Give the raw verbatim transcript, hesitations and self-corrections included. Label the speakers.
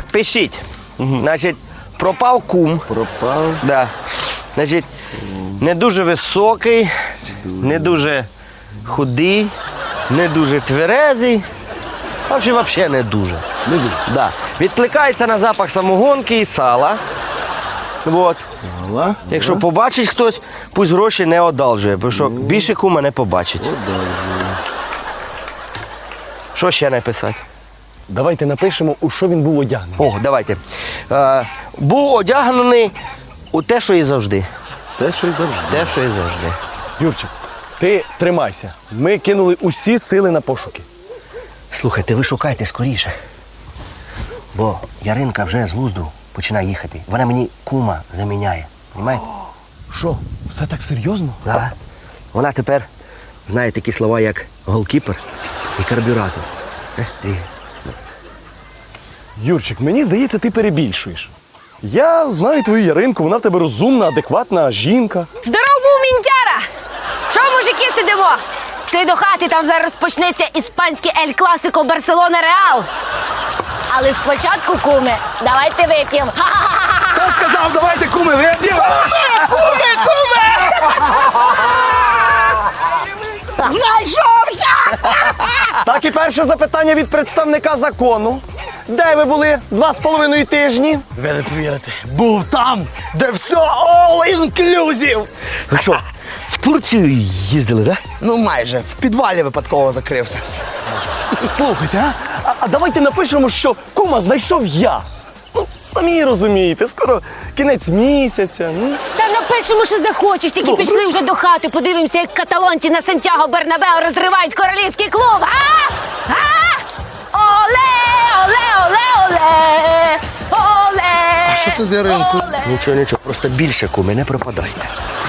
Speaker 1: Так, пишіть. Угу. Значить, пропав кум.
Speaker 2: Пропав.
Speaker 1: Да. Значить, не дуже високий, не дуже худий, не дуже тверезий. А взагалі, взагалі не дуже.
Speaker 2: Не дуже.
Speaker 1: Да. Відкликається на запах самогонки і сала. Вот.
Speaker 2: Сала.
Speaker 1: Якщо побачить хтось, пусть гроші не одалжує, бо що більше кума не побачить.
Speaker 2: Одалжує.
Speaker 1: Що ще написати?
Speaker 2: Давайте напишемо, у що він був одягнений.
Speaker 1: О, давайте. Е, був одягнений у те, що і завжди.
Speaker 2: Те, що й завжди.
Speaker 1: Те, що і завжди.
Speaker 2: Юрчик, ти тримайся. Ми кинули усі сили на пошуки.
Speaker 1: Слухайте, ви шукайте скоріше. Бо Яринка вже з глузду починає їхати. Вона мені кума заміняє. Понимаєте?
Speaker 2: Що, все так серйозно?
Speaker 1: Да. Вона тепер знає такі слова, як голкіпер і карбюратор. Е, дивіться.
Speaker 2: Юрчик, мені здається, ти перебільшуєш. Я знаю твою Яринку, вона в тебе розумна, адекватна жінка.
Speaker 3: Здоров був, мінтяра! Що, мужики, сидимо? Пішли до хати, там зараз почнеться іспанське Ель Класико Барселона Реал. Але спочатку, куми, давайте вип'ємо.
Speaker 2: Хто сказав, давайте куми вип'ємо?
Speaker 3: Куми, куми! Знайшовся!
Speaker 2: Так і перше запитання від представника закону. Де ви були два з половиною тижні?
Speaker 4: Ви не повірите, був там, де все all inclusive.
Speaker 1: Ви що, в Турцію їздили, так?
Speaker 4: Ну майже, в підвалі випадково закрився.
Speaker 2: Слухайте, а? а? А давайте напишемо, що кума знайшов я. Ну, самі розумієте, скоро кінець місяця. Ну.
Speaker 3: Та напишемо, що захочеш, тільки пішли вже до хати, подивимося, як каталонці на Сантьяго Бернабео розривають королівський клуб. А? А? Оле, оле, оле, оле, оле.
Speaker 4: А що це за Яринку?
Speaker 3: Оле.
Speaker 1: Нічого, нічого, просто більше куми, не пропадайте.